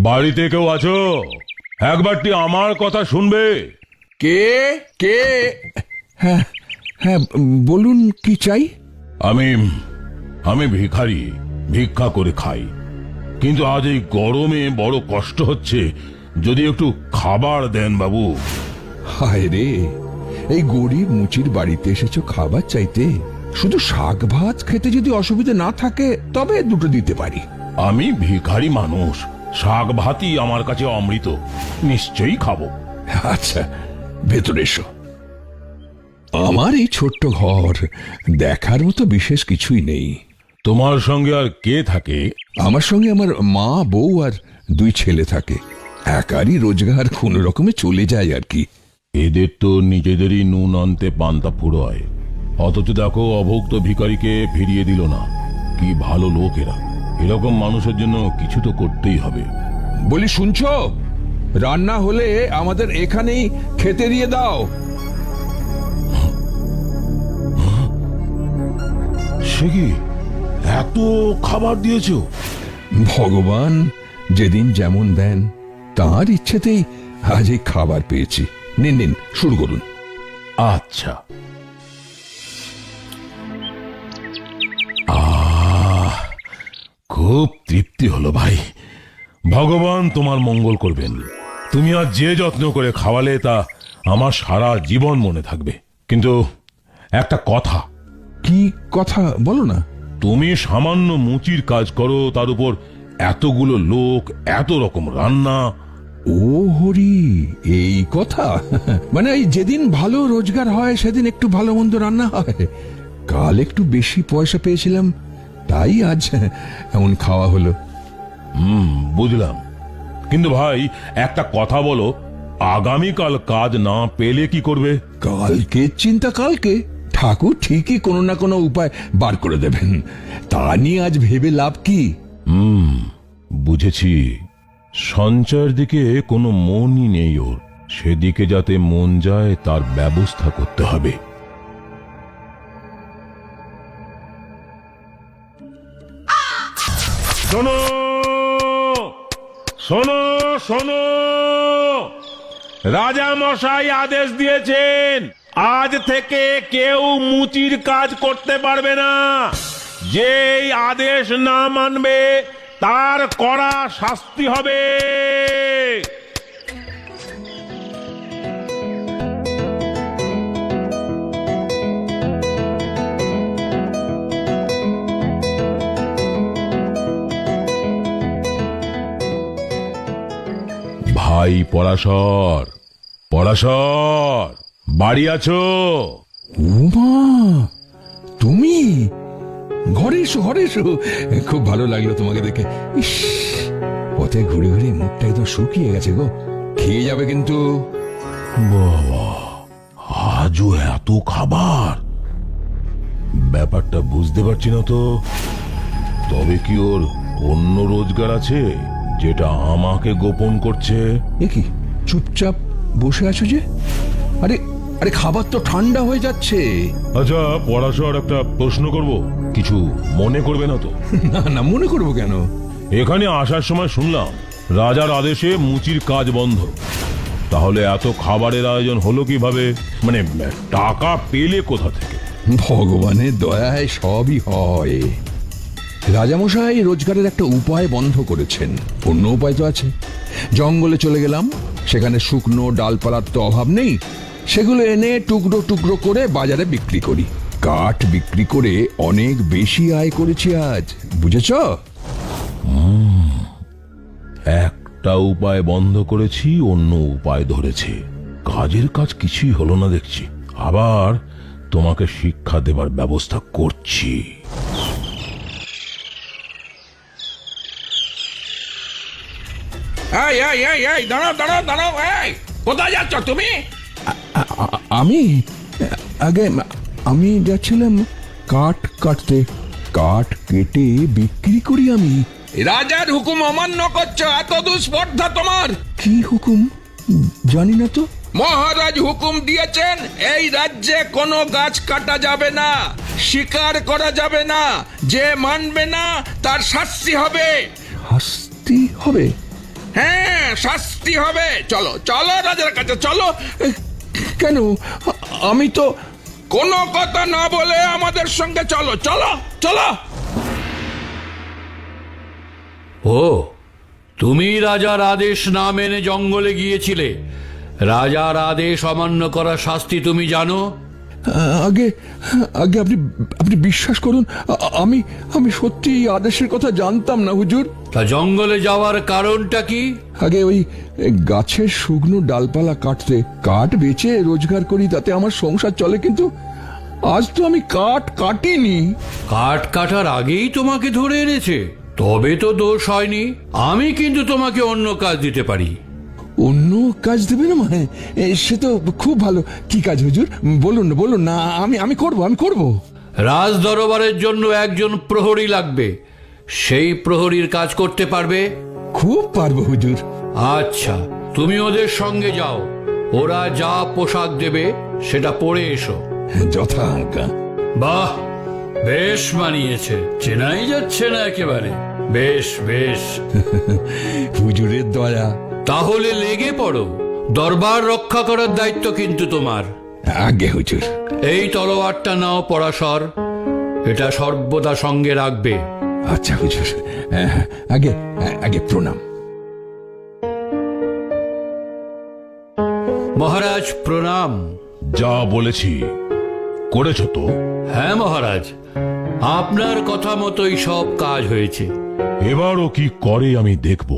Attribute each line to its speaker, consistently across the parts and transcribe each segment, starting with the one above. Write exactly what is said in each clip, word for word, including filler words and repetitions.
Speaker 1: বাড়িতে কেউ আছো? একবারটি আমার কথা শুনবে?
Speaker 2: কে কে? হ্যাঁ হ্যাঁ, বলুন কি চাই?
Speaker 1: আমি আমি ভিখারি, ভিক্ষা করে খাই, কিন্তু আজ এই গরমে বড় কষ্ট হচ্ছে। যদি একটু খাবার দেন বাবু।
Speaker 2: হায় রে, এই গরিব মুচির বাড়িতে এসেছো খাবার চাইতে? শুধু শাক ভাত খেতে যদি অসুবিধা না থাকে তবে দুটো দিতে পারি।
Speaker 1: আমি ভিখারি মানুষ, শাক ভাতই আমার কাছে অমৃত, নিশ্চয়ই খাবো।
Speaker 2: আচ্ছা, ভেতরে এসো। আমার এই ছোট্ট ঘর, দেখার মতো বিশেষ কিছুই নেই।
Speaker 1: তোমার সঙ্গে আর কে থাকে?
Speaker 2: আমার সঙ্গে আমার মা, বউ আর দুই ছেলে থাকে। একারই রোজগার কোন রকমে চলে যায় আর কি।
Speaker 1: এদের তো নিজেদেরই নুন আনতে পান্তা ফুরোয়, অথচ দেখো অভুক্ত ভিখারিকে ফিরিয়ে দিল না। কি ভালো লোক এরা! এরকম মানুষের জন্য কিছু তো করতেই হবে।
Speaker 2: বলি, শুনছো? রান্না হলে আমাদের এখানেই খেতে দিয়ে দাও।
Speaker 1: সে কি, এত খাবার দিয়েছো?
Speaker 2: ভগবান যেদিন যেমন দেন, তার ইচ্ছেতেই আজ এই খাবার পেয়েছি। নিন নিন, শুরু করুন।
Speaker 1: আচ্ছা। আহ, খুব তৃপ্তি হলো ভাই। ভগবান তোমার মঙ্গল করবেন। তুমি আজ যে যত্ন করে খাওয়ালে তা আমার সারা জীবন মনে থাকবে। কিন্তু একটা কথা।
Speaker 2: কি কথা বলো না?
Speaker 1: তুমি সামান্য মুচির কাজ করো, তার উপর এতগুলো লোক, এত রকম রান্না।
Speaker 2: ও হরি, এই কথা? মানে এই যেদিন ভালো রোজগার হয় সেদিন একটু ভালো মন্দ রান্না হয়। কাল একটু বেশি পয়সা পেয়েছিলাম, তাই আজ এমন খাওয়া হলো।
Speaker 1: হুম, বুঝলাম। কিন্তু ভাই একটা কথা বলো, আগামীকাল কাজ না পেলে কি করবে?
Speaker 2: কালকে চিন্তা কালকে, ঠাকুর ঠিকই কোনো না কোনো উপায় বার করে দেবেন। তা নিয়ে আজ ভেবে লাভ কি?
Speaker 1: হুম, বুঝেছি। সঞ্চয়ের দিকে কোনো মনই নেই ওর, সেদিকে যাতে মন যায় তার ব্যবস্থা করতে হবে। শোনো শোনো শোনো, রাজা মশাই আদেশ দিয়েছেন, আজ থেকে কেউ মুচির কাজ করতে পারবে না। যেই আদেশ না মানবে তার কড়া শাস্তি হবে। ভাই পরাশর, পরাশর, বাড়ি আছো?
Speaker 2: উমা, তুমি? ঘরে এসো, ঘরে এসো। খুব ভালো লাগলো তোমাকে দেখে। ইস, পথে ঘুরে ঘুরে মুখটা একদম শুকিয়ে গেছে গো। খেয়ে যাবে কিন্তু।
Speaker 1: বাবা, আজও এত খাবার! ব্যাপারটা বুঝতে পারছি না তো। তবে কি ওর অন্য রোজগার আছে যেটা আমাকে গোপন করছে?
Speaker 2: এ কি, চুপচাপ বসে আছো যে? আরে আরে, খাবার তো ঠান্ডা হয়ে যাচ্ছে।
Speaker 1: আচ্ছা পরাশর, একটা প্রশ্ন করব, কিছু মনে করবে না তো?
Speaker 2: না না, মনে করবো কেন?
Speaker 1: এখানে আসার সময় শুনলাম রাজার আদেশে মুচির কাজ বন্ধ। তাহলে এত খাবারের আয়োজন হলো কিভাবে? মানে টাকা পেলে কোথা থেকে?
Speaker 2: ভগবানের দয়ায় সবই হয়। রাজামশাই রোজগারের একটা উপায় বন্ধ করেছেন। অন্য উপায় তো আছে। জঙ্গলে চলে গেলাম, সেখানে শুকনো ডালপালার তো অভাব নেই। সেগুলো এনে টুকরো টুকরো করে বাজারে বিক্রি করি। কাঠ বিক্রি করে অনেক বেশি আয় করেছি আজ, বুঝেছ?
Speaker 1: একটা উপায় বন্ধ করেছি, অন্য উপায় ধরেছে। কাজের কাজ কিছুই হলো না দেখছি। আবার তোমাকে শিক্ষা দেবার ব্যবস্থা করছি।
Speaker 3: এই এই এই এই দাঁড়াও দাঁড়াও দাঁড়াও, এই কোথায় যাচ্ছ তুমি?
Speaker 2: আমি আগে আমি যাচ্ছিলাম কাঠ কাটতে। কাঠ কেটে বিক্রি করি আমি।
Speaker 3: রাজার হুকুম অমান্য করছো, এত দুঃস্পর্ধা তোমার?
Speaker 2: কি হুকুম জানি না তো।
Speaker 3: মহারাজ হুকুম দিয়েছেন এই রাজ্যে কোনো গাছ কাটা যাবে না, শিকার করা যাবে না। যে মানবে না তার শাস্তি হবে।
Speaker 2: শাস্তি হবে?
Speaker 3: হ্যাঁ, শাস্তি হবে। চলো চলো রাজার কাছে চলো।
Speaker 2: কেন? আমি তো
Speaker 3: কোনো কথা না বলে আমাদের সঙ্গে চলো চলো চলো।
Speaker 4: ও, তুমি রাজার আদেশ না মেনে জঙ্গলে গিয়েছিলে। রাজার আদেশ অমান্য করার শাস্তি তুমি জানো?
Speaker 2: আগে আগে আপনি আপনি বিশ্বাস করুন, আ- আমি আমি সত্যি এই আদেশের কথা জানতাম না হুজুর।
Speaker 4: তা জঙ্গলে যাওয়ার কারণটা কি?
Speaker 2: আগে ওই এ, গাছের শুকনো ডালপালা কাটতে কাঠ বেচে রোজগার করি, তাতে আমার সংসার চলে। কিন্তু আজ তো আমি কাঠ কাটিনি।
Speaker 4: কাঠ কাটার আগেই তোমাকে ধরে এনেছে, তবে তো দোষ হয়নি। আমি কিন্তু তোমাকে অন্য কাজ দিতে পারি।
Speaker 2: অন্য কাজ দেবে না? মানে এ, সে তো খুব ভালো। কি কাজ হুজুর? বলুন না বলুন না, আমি আমি করব আমি করব।
Speaker 4: রাজ দরবারের জন্য একজন প্রহরী লাগবে। সেই প্রহরীর কাজ করতে পারবে?
Speaker 2: খুব পারবো হুজুর।
Speaker 4: আচ্ছা, তুমি ওদের সঙ্গে যাও। ওরা যা পোশাক দেবে সেটা পরে এসো।
Speaker 2: যথা আজ্ঞা।
Speaker 4: বাহ, বেশ মানিয়েছে, চেনাই যাচ্ছে না একেবারে। বেশ বেশ,
Speaker 2: হুজুরের দয়া।
Speaker 4: তাহলে লেগে পড়ো। দরবার রক্ষা করার দায়িত্ব কিন্তু তোমার।
Speaker 2: আগে হুজুর।
Speaker 4: এই তলোয়ারটা নাও পরাশর, এটা সর্বদা সঙ্গে রাখবে।
Speaker 2: আচ্ছা হুজুর, আগে আগে প্রণাম।
Speaker 4: মহারাজ প্রণাম।
Speaker 1: যা বলেছি করেছো তো?
Speaker 4: হ্যাঁ মহারাজ, আপনার কথা মতোই সব কাজ হয়েছে।
Speaker 1: এবারও কি করে আমি দেখব।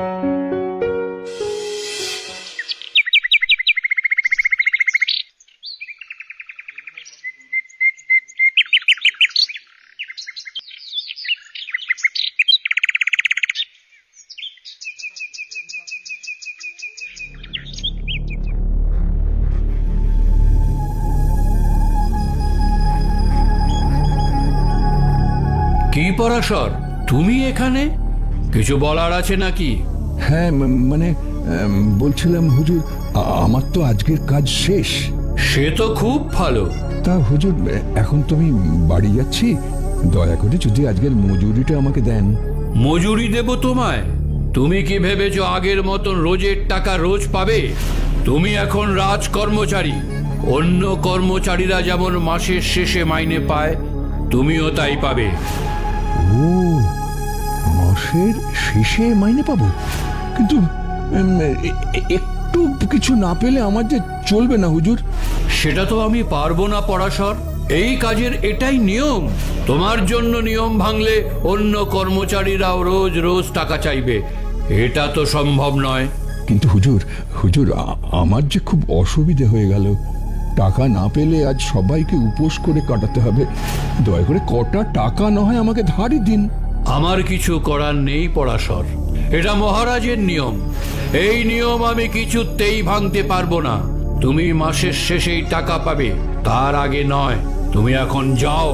Speaker 4: কি পরাশর, তুমি এখানে? কিছু বলার আছে নাকি?
Speaker 2: হ্যাঁ, ম- মানে উম, বলছিলাম হুজুর, আ- আমার তো আজকের কাজ শেষ।
Speaker 4: সে তো খুব ভালো।
Speaker 2: তা হুজুর, এখন তুমি বাড়ি যাচ্ছি, দয়া করে যদি আজকের মজুরিটা আমাকে দেন।
Speaker 4: মজুরি দেব তোমায়? তুমি কি ভেবেছো আগের মতন রোজের টাকা রোজ পাবে? তুমি এখন রাজ কর্মচারী। অন্য কর্মচারীরা যেমন মাসের শেষে মাইনে পায়, তুমিও তাই পাবে।
Speaker 2: ও, মাসের শেষে মাইনে পাবো? কিন্তু উম, এ- এ- একটু কিছু না পেলে আমার যে চলবে না হুজুর।
Speaker 4: সেটা তো আমি পারবো না পরাশর। এই কাজের এটাই নিয়ম। তোমার জন্য নিয়ম ভাঙলে অন্য কর্মচারীরাও রোজ রোজ টাকা চাইবে। এটা তো সম্ভব নয়।
Speaker 2: কিন্তু হুজুর হুজুর আ- আমার যে খুব অসুবিধে হয়ে গেল। টাকা না পেলে আজ সবাইকে উপোস করে কাটাতে হবে। দয়া করে কটা টাকা না হয় আমাকে ধারই দিন।
Speaker 4: আমার কিছু করার নেই পরাশর, এটা মহারাজের নিয়ম। এই নিয়ম আমি কিছুতেই ভাঙতে পারবো না। তুমি মাসের শেষেই টাকা পাবে, তার আগে নয়। তুমি এখন যাও।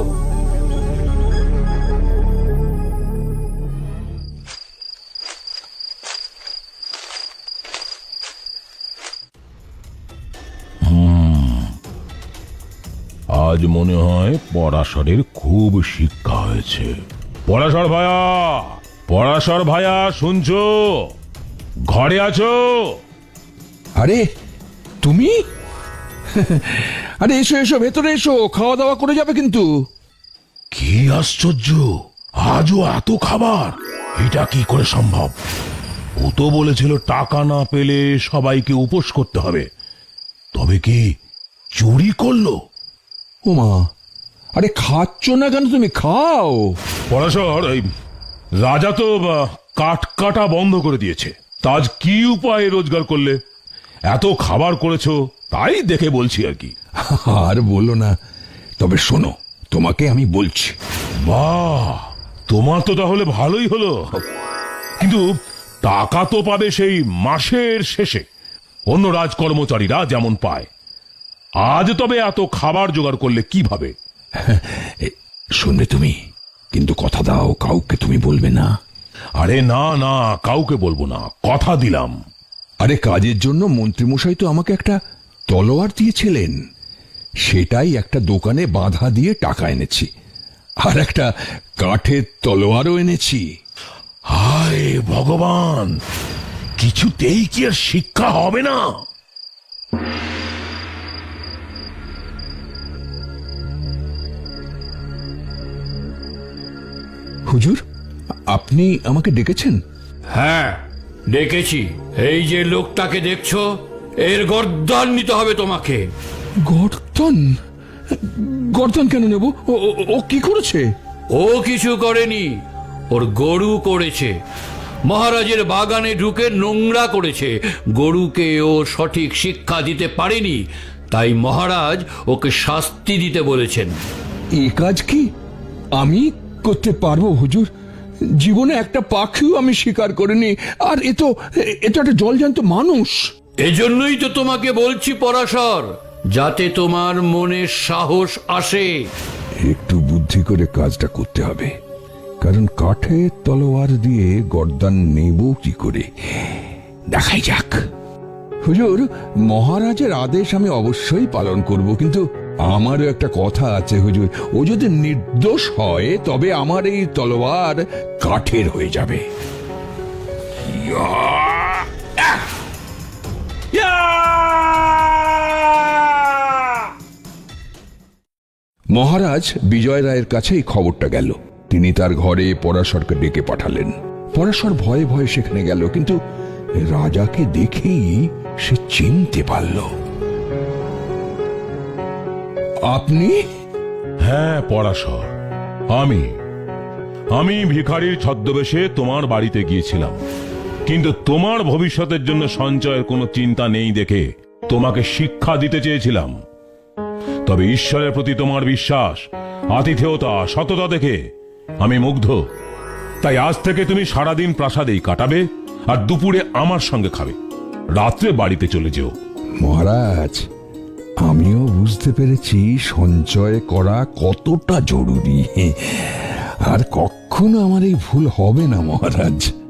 Speaker 1: আজ মনে হয় পরাশরের খুব শিক্ষা হয়েছে। পরাশর ভায়া, পরাশর ভায়া, শুনছো? ঘরে আছো?
Speaker 2: আরে তুমি? আরে এসো এসো, ভেতরে এসো, খাওয়া দাওয়া করে যাবে কিন্তু।
Speaker 1: কি আশ্চর্য, আজও এত খাবার! এটা কি করে সম্ভব? ও তো বলেছিল টাকা না পেলে সবাইকে উপোস করতে হবে। তবে কি চুরি করলো?
Speaker 2: ওমা, আরে খাচ্ছ না কেন? তুমি খাও।
Speaker 1: পরাশর, এই রাজা তো আহ, কাঠ কাটা বন্ধ করে দিয়েছে। তা আজ কি উপায়ে রোজগার করলে? এত খাবার করেছো তাই দেখে বলছি আর কি।
Speaker 2: আর বলো না, তবে শোনো, তোমাকে আমি বলছি।
Speaker 1: বাহ, তোমার তো তাহলে ভালোই হলো। কিন্তু টাকা তো পাবে সেই মাসের শেষে, অন্য রাজকর্মচারীরা যেমন পায়। আজ তবে এত খাবার জোগাড় করলে কিভাবে?
Speaker 2: এ, শুনবে তুমি, কিন্তু কথা দাও, কাউকে তুমি বলবে না।
Speaker 1: আরে না না, কাউকে বলবো না, কথা দিলাম।
Speaker 2: আরে কাজের জন্য মন্ত্রীমশাই তো আমাকে একটা তলোয়ার দিয়েছিলেন। সেটাই একটা দোকানে বাঁধা দিয়ে টাকা এনেছি। আর একটা কাঠের তলোয়ারও এনেছি।
Speaker 1: হায় ভগবান, কিছুতেই কি আর শিক্ষা হবে না?
Speaker 2: হুজুর, আপনি আমাকে ডেকেছেন?
Speaker 4: হ্যাঁ, ডেকেছি। এই যে লোকটাকে দেখছো, এর গর্দান নিতে হবে তোমাকে।
Speaker 2: গর্দন? গর্দন কেন নেব? ও- ও- ও কি করেছে?
Speaker 4: ও কিছু করেনি, ওর গরু করেছে। মহারাজের বাগানে ঢুকে নোংরা করেছে। গরুকে ও সঠিক শিক্ষা দিতে পারেনি, তাই মহারাজ ওকে শাস্তি দিতে বলেছেন।
Speaker 2: এ কাজ কি আমি করতে পারবো হুজুর? জীবনে একটা পাখিও আমি শিকার করিনি, আর এ তো এ তো একটা জলজান্ত মানুষ।
Speaker 4: এজন্যই তো তোমাকে বলছি পরাশর, যাতে তোমার মনে সাহস আসে।
Speaker 2: একটু বুদ্ধি করে কাজটা করতে হবে, কারণ কাঠের তলোয়ার দিয়ে গর্দান নেব কি করে, দেখাই যাক। হুজুর, মহারাজের আদেশ আমি অবশ্যই পালন করব, কিন্তু আমারও একটা কথা আছে হুজুর। ও যদি নির্দোষ হয় তবে আমার এই তলোয়ার কাঠের হয়ে যাবে। মহারাজ বিজয় রায়ের কাছে এই খবরটা গেল। তিনি তার ঘরে পরাশরকে ডেকে পাঠালেন। পরাশর ভয়ে ভয়ে সেখানে গেল, কিন্তু রাজাকে দেখেই সে চিনতে পারল। আপনি?
Speaker 1: হ্যাঁ পরাশর, আমি আমি ভিখারির ছদ্মবেশে তোমার বাড়িতে গিয়েছিলাম, কিন্তু তোমার ভবিষ্যতের জন্য সঞ্চয়ের কোনো চিন্তা নেই দেখে তোমাকে শিক্ষা দিতে চেয়েছিলাম। তবে ঈশ্বরের প্রতি তোমার বিশ্বাস, আতিথেয়তা, সততা দেখে আমি মুগ্ধ। তাই আজ থেকে তুমি সারাদিন প্রাসাদেই কাটাবে, আর দুপুরে আমার সঙ্গে খাবে, রাত্রে বাড়িতে চলে যেও।
Speaker 2: মহারাজ, আমিও বুঝতে পেরেছি সঞ্চয় করা কতটা জরুরি, আর কখনো আমার এই ভুল হবে না মহারাজ।